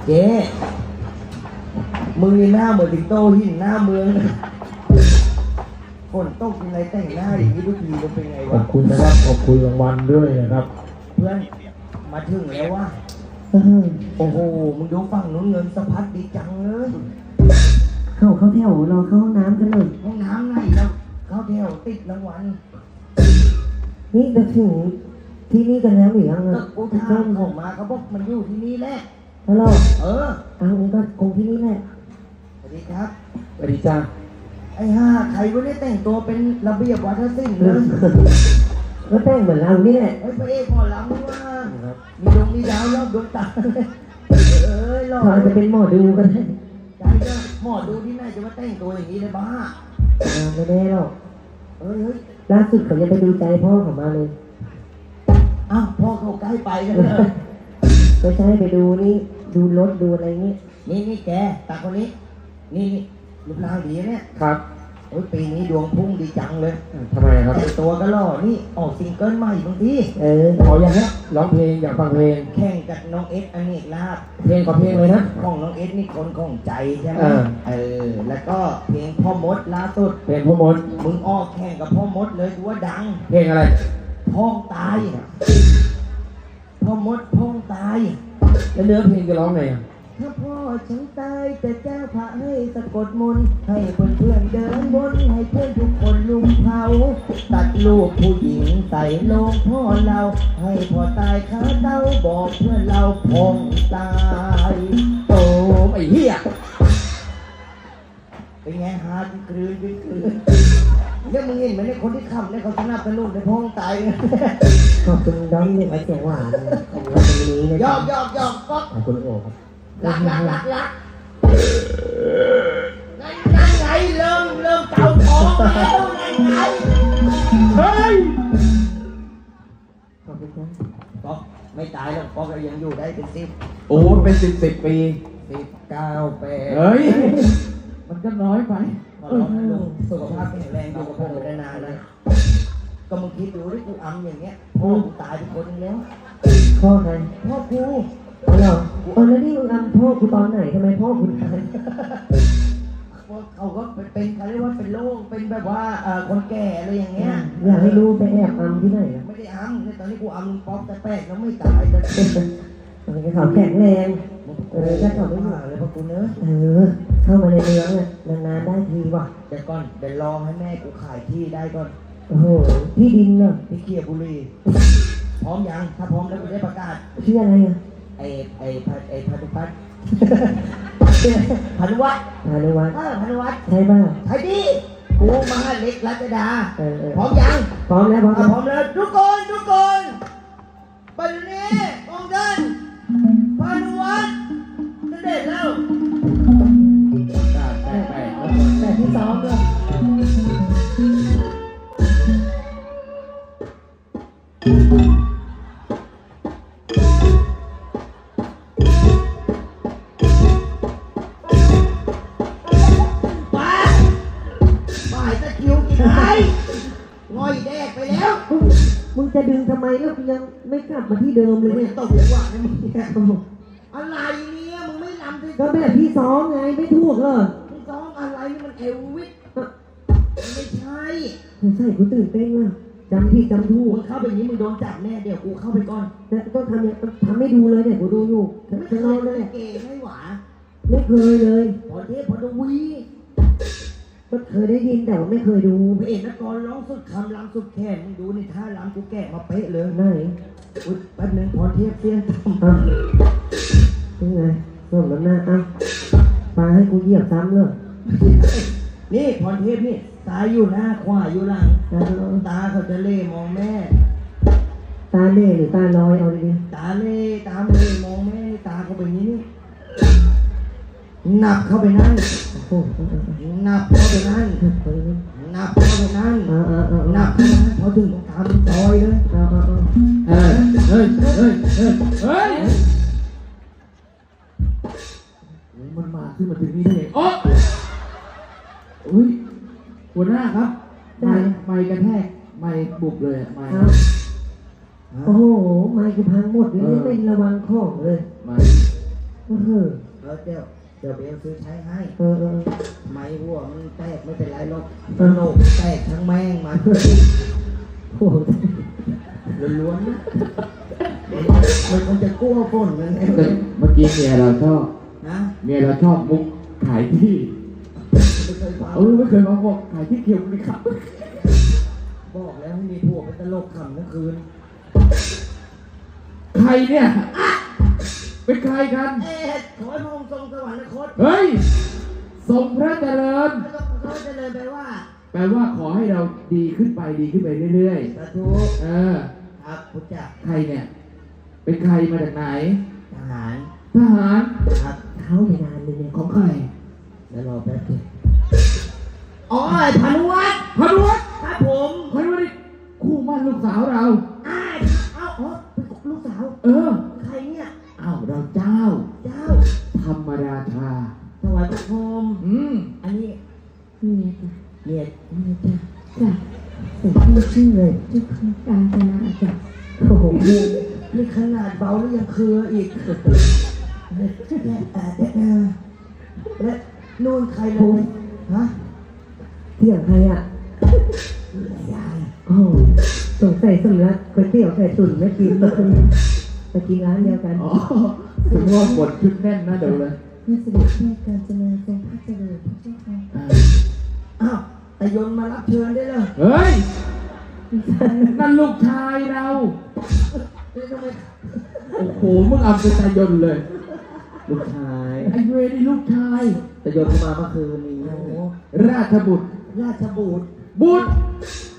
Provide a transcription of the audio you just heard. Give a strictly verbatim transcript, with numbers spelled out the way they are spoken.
เจ๊มึงนี่หน้าเหมือนสิงโตหินหน้าเมืองฝนตกอะไรแต่งหน้าอย่างนี้ทุกทีมันเป็นไงขอวะบคุณนะครับขอบคุณรางวัลด้วยนะครับเพื่อนมาถึงแล้ววะโอ้โหมึงดูฝั่งนู้นเงินสะพัดดีจังเลยเข้าเข้าแถวรอเข้าห้องน้ำกันเลยห้องน้ำไหนแล้วเข้าแถวติดรางวัลนี่จะถึงที่นี่กันแล้วหรือยังก็อ่ะกูถามผมมาเขาบอกมันอยู่ที่นี่แหละฮัลโหลเออเอานี่ก็คงที่นี่แหละสวัสดีครับสวัสดีจ้าไอ้ห่าใครวะเนี่ยแต่งตัวเป็นระเบียบวัฒนศิลป์เลยก็แต่งเหมือนเรานี่แหละเฮ้ยพระเอกหมอลำนี่ว่ามีดวงมีดาวรอบดวงตาเลยเอ้ยหล่อเขาจะเป็นหมอดูกันได้ใจก็หมอดูที่ไหนจะมาแต่งตัวอย่างนี้เลยบ้าอ่าไม่แน่หรอกเฮ้ยเฮ้ยล่าสุดเขายังไปดูใจพ่อเขามาเลยอ้าวพ่อเขาใกล้ไปกันเลยไม่ใช่ไปดูนี่ดูรถดูอะไรนี่นี่นี่แกตาคนนี้ นี่นี่รูปร่างดีเนี่ยครับโอ้ยปีนี้ดวงพุ่งดีจังเลยทำไมครับแต่งตัวก็หล่อนี่ออกซิงเกิลใหม่บางทีเออขออย่างนี้ร้องเพลงอยากฟังเพลงแข่งกับน้องเอสอเนกลาภเพลงขอเพลงเลยนะของน้องเอสนี่คนของใจใช่ไหมเออเออ แล้วก็เพลงพ่อมดล่าสุดเพลงพ่อมดมึงออกแข่งกับพ่อมดเลยกูว่าดังเพลงอะไรพ้องตายพ่อมดพ้องตายแล้วเนื้อเพลงจะร้องไงอ่ะถ้าพ่อฉันตายแต่เจ้าพระให้สะกดมนต์ให้เพื่อนเพื่อนๆเดินบนให้เพื่อนทุกคนลุมเผาตัดลูกผู้หญิงใส่โลงพ่อเรา ให้พ่อตายขาเต้าบอกเพื่อนเราพ้องตายโอ้ไอ้เหี้ยเป็นไงฮาร์ดกลืนกลืนกลืนเนี่ยมึงเห็นไหมเนี่ยคนที่ขับเนี่ยเขาสนับสนุนในพ้องตายเนี่ยขอบคุณด้อมเด็กไว้เสียงหวานของเราตรงนี้นะหยอกหยอกหยอกป๊อกขอบคุณโอ้ครับรักรักรักรักนั่นนั่นไงเริ่มเริ่มเก่าท้องแล้วนั่นไงเฮ้ยขอบคุณครับป๊อกไม่ตายหรอกป๊อกก็ยังอยู่ได้เป็นสิบโอ้เป็นสิบสิบปีสิบเก้าแปดเฮ้ย มันก็น้อยไปขอร้องให้ลูกสุขภาพแข็งแรงอยู่กับผมไปนานๆนะก็มึงคิดดูที่กูอำอย่างเงี้ยพ่อกูตายไปคนนึงแล้วพ่อใครพ่อกูเอาเหรอเออแล้วนี่มึงอำพ่อกูตอนไหนทำไมพ่อคุณตายเขาก็เป็นเขาเรียกว่าเป็นโรคเป็นแบบว่าเอ่อคนแก่อะไรอย่างเงี้ยอยากให้รู้ไปแอบอำที่ไหนอ่ะไม่ได้อำในตอนนี้กูอำป๊อกแต่แป๊กแล้วไม่ตายแต่มันก็เขาแข็งแรงเออถ้าเขาไม่อยู่เลยพวกกูเนอะเออ เข้ามาในเมืองอ่ะนานๆได้ทีว่ะเดี๋ยวก่อนเดี๋ยวรอให้แม่กูขายที่ได้ก่อนโอ้โหที่ดินเนาะที่เคียบุรีพร้อมยังถ้าพร้อมแล้วกูได้ประกาศชื่ออะไรอ่ะไอ้ไอ้พันไอ้พันุพัฒน์ พันุวัฒน์พานุวัฒน์เออพันุวัฒน์ใช่ป่ะใช่ดิกูมหาเล็กรัชดาเออเออพร้อมยังพร้อมแล้วพร้อมอ่ะแล้วพร้อมแล้วทุกคนทุกคนปัจจุบันองค์ท่านพันุวัฒน์เสด็จแล้วแปดแปดแต่ที่ซ้อมเลยป้าป้ายตะคิวกินไอ้ง่อยแดกไปแล้วมึงมึงจะดึงทำไมแล้วกูยังไม่กลับมาที่เดิมเลยไม่เนี่ยตกจังหวะนะมึงเนี่ยโอ้โหอะไรเนี่ยมึงไม่รำที่ก็แบบที่ซ้อมไงไม่ถูกเหรอมึงซ้อมอะไรนี่มันเอลวิสไม่ใช่สงสัยกูตื่นเต้นว่ะจำผิดจำถูมึกงเข้าไปอย่างนี้มึงโดนจับแน่เดี๋ยวกูเข้าไปก่อนแต่ต้องทำเนี่ยทำให้ดูเลยเนี่ยกูดูอยู่ไม่เคข้างนอย กเลเลย ยเก๋ไม่หวาไม่เคยเลยพอเทพพอดวีก็เคยได้ยินแต่ว่าไม่เคยดูพระเอกนักกรร้องสุดคำรำสุดแขนมึงดูนี่ท่ารำกูแกะมาเป๊ะเลยไหนอุ๊ยแป๊บนึงพรเทพเสี้ยนทอ่ะยังไงส่งน้ำหน้าอ่ะปลาให้กูเหยียบซ้ำเลยำนี่พรเทพนี่ตาอยู่หน้าขวาอยู่หลังตาลอยตาเขาจะเล่มองแม่ตาเล่หรือตาลอยเอาดีตาเล่ตาเล่มองแม่ตาเขาเป็นอย่างนี้นี่นับเข้าไปนั่นๆโอ้โหนับเข้าไปนั่นเฮ้ยนับเข้าไปนั่นเอาเอาเอานับเข้าไปนั่นพอถึงตรงกลางมันซอยเลยเอาเอาเอาเฮ้ยเฮ้ยเฮ้ยเฮ้ยเฮ้ยมันมาขึ้นมาถึงนี่ได้ไงโอ้อุ้ยหัวหน้าครับไม่ไม่กระแทกไม่บุบเลยไม่เอาโอ้โหไม้กูพังหมดเลยไม่เป็นระวังของเลยไม่โเออเออเดี๋ยวเดี๋ยวเบลซื้อใช้ให้เออเออไม้หัวมันแตกไม่เป็นไรหรอกเออโลกแตกทั้งแม่งมันโอ้โหล้วนๆนะมันคงจะกลัวฝนนั่นเองเมื่อกี้เมียเราชอบนะเมียเราชอบมุกขายที่ไม่เคยฟังเออไม่เคยมาบอกขายที่เกี่ยวเลยครับบอกแล้วให้มีผัวเป็นตลกขำทั้งคืนใครเนี่ยเป็นใครกันเอ๊ะขอให้พระองค์ทรงสวรรคตเฮ้ยทรงพระเจริญแล้วก็เขาจะเลยไปว่าแปลว่าขอให้เราดีขึ้นไปดีขึ้นไปเรื่อยสาธุๆ เออครับพุทธเจ้าใครเนี่ย เป็นใครมาจากไหนทหารทหารครับเขาในนานเลยเนี่ยของใครแล้วรอแป๊บนึงอ๋อไอ้พานุวัฒน์พานุวัฒน์ครับผมพานุวัฒน์นี่คู่มั่นลูกสาวเราอ้ายเอ้าอ๋อเป็นลูกสาวเออใครเนี่ยอ้าวเราเจ้าเจ้าธรรมราชาถวายพระพรหมอืมอันนี้นี่จ้ะเมียเมียจ้าจ้ะแต่ชื่อชื่อเลยชื่อการจนาจ้ะโอ้โหนี่ขนาดเบาแล้วยังเครืออีกและแต่แต่และนู่นใครเลยฮะเที่ยงใครอ่ะยายโอ้โหสงสัยสำลักก๋วยเตี๋ยวไก่ตุ๋นไม่กินเลยไปกินร้านเดียวกันอ๋อถึงว่าบทชุดแน่นนะเดี๋ยวเลยเมื่อเสด็จแม่การจนาทรงพระเจริญพระเจ้าค่ะอ่าอ้าวแต่ยนต์มารับเชิญได้เลยเฮ้ย นั่นลูกชายเรานี่ทำไมโอ้โห มึงเอาเป็นตายนเลยลูกชายไอ้เวรนี่ลูกชายแต่ยนต์มาเมื่อคืนนี้โอ้โหราชบุตรราชบุตรบุตร